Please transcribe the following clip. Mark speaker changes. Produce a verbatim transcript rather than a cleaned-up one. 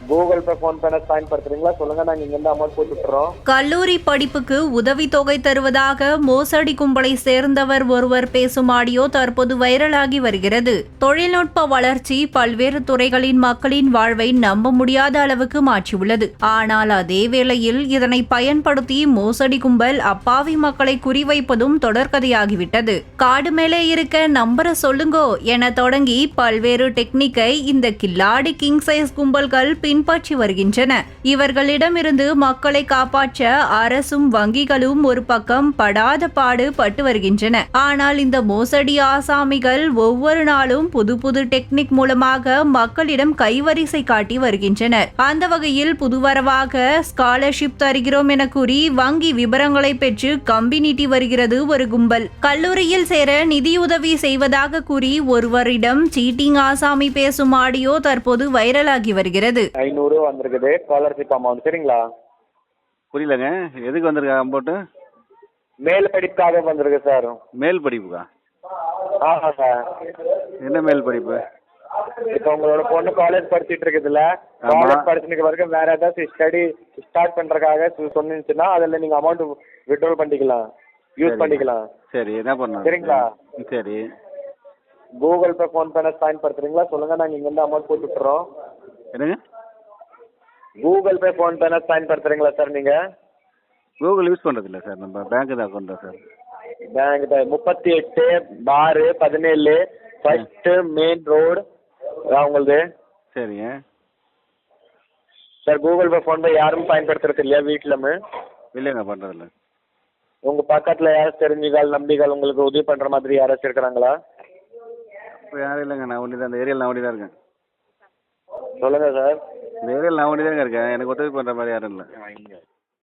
Speaker 1: Google pay phone பேன பயன்படுத்துறீங்களா சொல்லுங்க, நாங்க இங்க இருந்து அமௌண்ட் போட்டு விட்டுறோம்.
Speaker 2: கல்லூரி படிப்புக்கு உதவித்தொகை தருவதாக மோசடி கும்பலை சேர்ந்தவர் ஒருவர் பேசும் ஆடியோ தற்போது வைரலாகி வருகிறது. தொழில்நுட்ப வளர்ச்சி பல்வேறு துறைகளின் மக்களின் வாழ்வை நம்ப முடியாத அளவுக்கு மாற்றியுள்ளது. ஆனால் அதே வேளையில் இதனை பயன்படுத்தி மோசடி கும்பல் அப்பாவி மக்களை குறிவைப்பதும் தொடர்கதையாகிவிட்டது. காடு மேலே இருக்க நம்பர சொல்லுங்கோ என தொடங்கி பல்வேறு டெக்னிக்கை இந்த கில்லாடி கிங் சைஸ் கும்பல்கள் பின்பற்றி வருகின்றன. இவர்களிடமிருந்து மக்களை காப்பாற்ற அரசும் வங்கிகளும் ஒரு பக்கம் படாத பாடு பட்டு வருகின்றன. ஆனால் இந்த மோசடி ஆசாமிகள் ஒவ்வொரு நாளும் புது புது டெக்னிக் மூலமாக மக்களிடம் கைவரிசை காட்டி வருகின்றனர். அந்த வகையில் புதுவரவாக ஸ்காலர்ஷிப் தருகிறோம் என கூறி வங்கி விவரங்களை பெற்று கம்பி நீட்டி வருகிறது ஒரு கும்பல். கல்லூரியில் சேர நிதியுதவி செய்வதாக கூறி ஒருவரிடம் சீட்டிங் ஆசாமி பேசும் ஆடியோ தற்போது வைரலாகி வருகிறது.
Speaker 1: ஐநூறு வந்திருக்குது ஸ்காலர்ஷிப் அமௌண்ட், சரிங்களா?
Speaker 3: புரியலங்க, எதுக்கு வந்திருக்கா அமௌண்ட்டு?
Speaker 1: மேல் படிப்புக்காக வந்திருக்கு சார்.
Speaker 3: மேல் படிப்புக்கா?
Speaker 1: ஆமாம் சார்.
Speaker 3: என்ன மேல் படிப்பு?
Speaker 1: இப்போ உங்களோட பொண்ணு காலேஜ் படிச்சுட்டு இருக்குதுல்ல, காலேஜ் படிச்சுட்டு வரைக்கும் வேற ஏதாச்சும் ஸ்டடி ஸ்டார்ட் பண்றதுக்காக சொன்னிச்சுன்னா அதில் நீங்க அமௌண்ட் விட்ரோல் பண்ணிக்கலாம், யூஸ் பண்ணிக்கலாம்.
Speaker 3: சரி, என்ன பண்ணலாம்?
Speaker 1: சரிங்களா?
Speaker 3: சரி.
Speaker 1: கூகுள் பே ஃபோன் பேன பயன்படுத்துறீங்களா சொல்லுங்க, நாங்க இங்க இருந்து அமௌண்ட் போட்டு விட்டுறோம்.
Speaker 3: என்னங்க?
Speaker 1: கூகுள் பே ஃபோன் பேன பயன்படுத்துறீங்களா சார் நீங்க?
Speaker 3: கூகுள் யூஸ் பண்றது இல்லை சார், நம்ம பேங்க் தான் அக்கௌண்ட் தான் சார்.
Speaker 1: பேங்க் தான். முப்பத்தி எட்டு பாரு பதினேழு ஃபர்ஸ்ட் மெயின் ரோடு உங்களது.
Speaker 3: சரிங்க
Speaker 1: sir. Google pay PhonePe யாரும் பயன்படுத்துறது இல்லையா வீட்டிலமே?
Speaker 3: இல்லைங்க, பண்ணுறதில்ல.
Speaker 1: உங்க பக்கத்துல யாராச்சும் தெரிஞ்சுகள் நம்பிகள் உங்களுக்கு உதவி பண்ற மாதிரி யாராச்சும் இருக்கிறாங்களா?
Speaker 3: இப்போ யாரும் இல்லைங்க, நான் ஒண்டி தான் இந்த ஏரியாவில் நான் ஒண்டி தான் இருக்கேன்.
Speaker 1: சொல்லுங்க சார்.
Speaker 3: இந்த ஏரியாவில் நான் ஒண்டி தாங்க இருக்கேன், எனக்கு உதவி பண்ணுற மாதிரி யாரும் இல்லை.